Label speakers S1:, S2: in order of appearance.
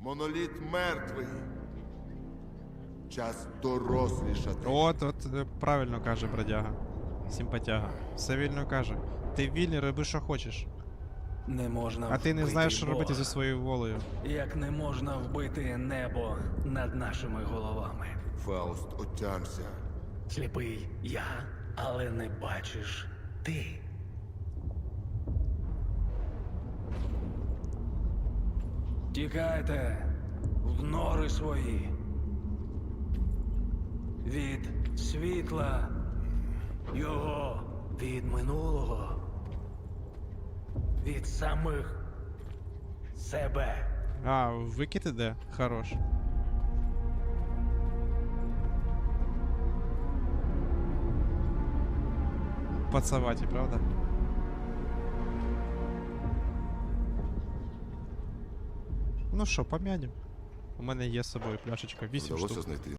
S1: Моноліт мертвий. Час дорослішати.
S2: От, правильно каже бродяга. Симпатяга. Все вільно каже. Ти вільний, роби, що хочеш.
S3: Не можна
S2: А ти не
S3: вбити
S2: знаєш, що робити
S3: Бога,
S2: зі своєю волею.
S3: як не можна вбити небо над нашими головами.
S1: Фауст, отямся.
S3: Сліпий я, але не бачиш ти. Тікайте в нори свої. Від світла його, від минулого, від самих себе.
S2: А, викид іде? Хорош. Пацаваті, правда? Ну що, пом'янем. У мене є з собою пляшечка, 8
S1: Вдалося
S2: штук.
S1: знайти